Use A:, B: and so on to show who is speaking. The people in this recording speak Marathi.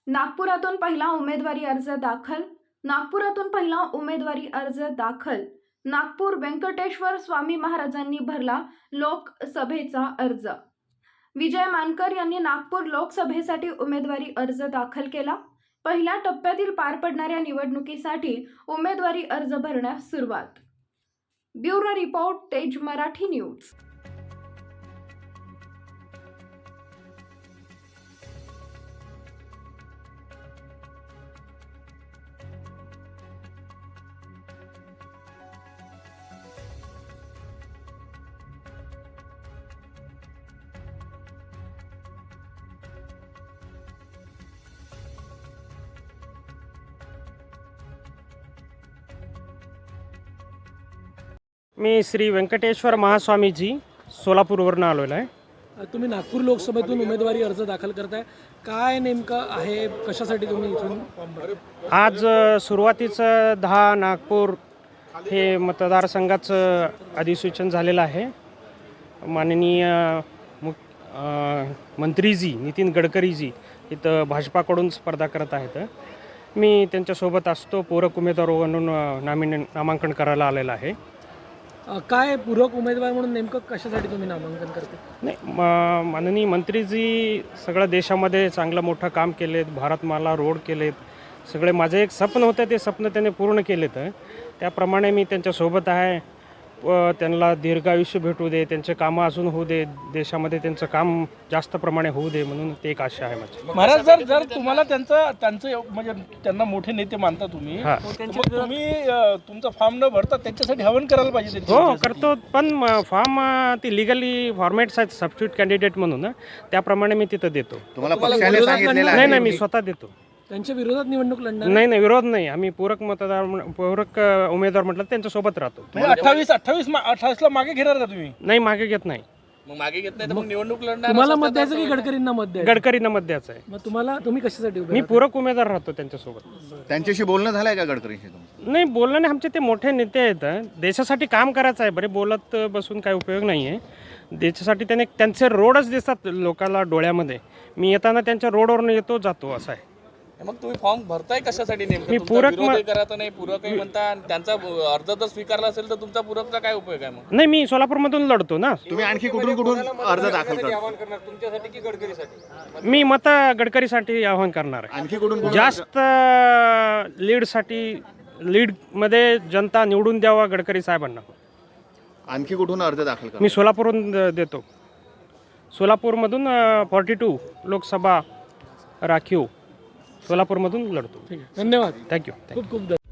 A: नागपुरातून पहिला उमेदवारी अर्ज दाखल. नागपुरातून पहिला उमेदवारी अर्ज दाखल. नागपूर व्यंकटेश्वर स्वामी महाराजांनी भरला लोकसभेचा अर्ज. विजय मानकर यांनी नागपूर लोकसभेसाठी उमेदवारी अर्ज दाखल केला. पहिल्या टप्प्यातील पार पडणाऱ्या निवडणुकीसाठी उमेदवारी अर्ज भरण्यास सुरुवात. Bureau report, Tej Marathi News.
B: मी श्री व्यंकटेश्वर महास्वामीजी सोलापूरवरून आलेलो आहे.
C: तुम्ही नागपूर लोकसभेतून उमेदवारी अर्ज दाखल करताय, काय नेमकं आहे, कशासाठी तुम्ही इथून?
B: आज सुरुवातीचं 10 नागपूर हे मतदारसंघाचं अधिसूचन झालेलं आहे. माननीय मंत्रीजी नितीन गडकरीजी इथं भाजपाकडून स्पर्धा करत आहेत. मी त्यांच्यासोबत असतो. पूरक उमेदवार म्हणून नामांकन करायला आलेलं आहे.
C: काय पूरक उमेदवार म्हणून नेमकं कशासाठी तुम्ही नामांकन करते?
B: नाही, माननीय मंत्रीजी सगळं देशामध्ये चांगलं मोठं काम केलेत. भारतमाला रोड केलेत. सगळे माझं एक स्वप्न होतं, ते स्वप्न त्याने पूर्ण केलेत. त्याप्रमाणे मी त्यांच्यासोबत आहे. त्यांना दीर्घायुष्य भेटू दे, त्यांचे कामं अजून होऊ दे, देशामध्ये त्यांचं काम जास्त प्रमाणे होऊ दे, म्हणून ते एक आशा आहे माझी.
D: महाराज, जर तुम्हाला त्यांचं म्हणजे त्यांना मोठे नेते मानता तुम्ही, तुम्ही तुमचा फॉर्म न भरता त्यांच्यासाठी हवन करायला पाहिजे.
B: हो करतो, पण फॉर्म ती लिगली फॉर्मॅट्स आहेत सबस्टिट्यूट कॅन्डिडेट म्हणून, त्याप्रमाणे मी तिथं देतो. नाही, मी स्वतः देतो.
C: त्यांच्या विरोधात निवडणूक लढणार?
B: नाही, विरोध नाही. आम्ही पूरक उमेदवार म्हटलं त्यांच्यासोबत राहतो.
D: 28 मागे घेणार का तुम्ही?
B: नाही, मागे घेत नाही.
D: मग मागे घेत नाही तर मग निवडणूक लढणार.
C: तुम्हाला मत द्यायचं की गडकरींना मत द्यायचं?
B: गडकरींना मत द्यायचं आहे.
C: मग तुम्ही कशासाठी उभे?
B: मी पूरक उमेदवार राहतो त्यांच्यासोबत.
E: त्यांच्याशी बोलणं झालंय का गडकरींशी?
B: नाही, बोलणं नाही. आमचे ते मोठे नेते आहेत. देशासाठी काम करायचं आहे. बरे बोलत बसून काही उपयोग नाही आहे. देशासाठी त्यांचे रोडच दिसतात लोकांना डोळ्यामध्ये. मी येताना त्यांच्या रोडवरून येतो जातो असं आहे.
D: मग तुम्ही फॉर्म भरताय कशासाठी नेमकं?
B: मी पूरक
D: करायचं नाही, पूरकही म्हणता, आणि त्यांचा अर्ज जर स्वीकारला असेल तर तुमचा पूरकचा काय उपयोग आहे? मग
B: नाही, मी सोलापूरमधून लढतो ना.
E: तुम्ही आणखी कुठून अर्ज दाखल करता?
D: तुमच्यासाठी की गडकरीसाठी?
B: मी गडकरीसाठी आवाहन करणार आहे.
E: आणखी कुठून
B: जास्त लीडमध्ये जनता निवडून द्यावा गडकरी साहेबांना.
E: आणखी कुठून अर्ज दाखल करता?
B: मी सोलापूरहून देतो. सोलापूरमधून 42 लोकसभा राखीव सोलापूरमधून लढतो.
C: धन्यवाद.
B: थँक्यू.
C: खूप खूप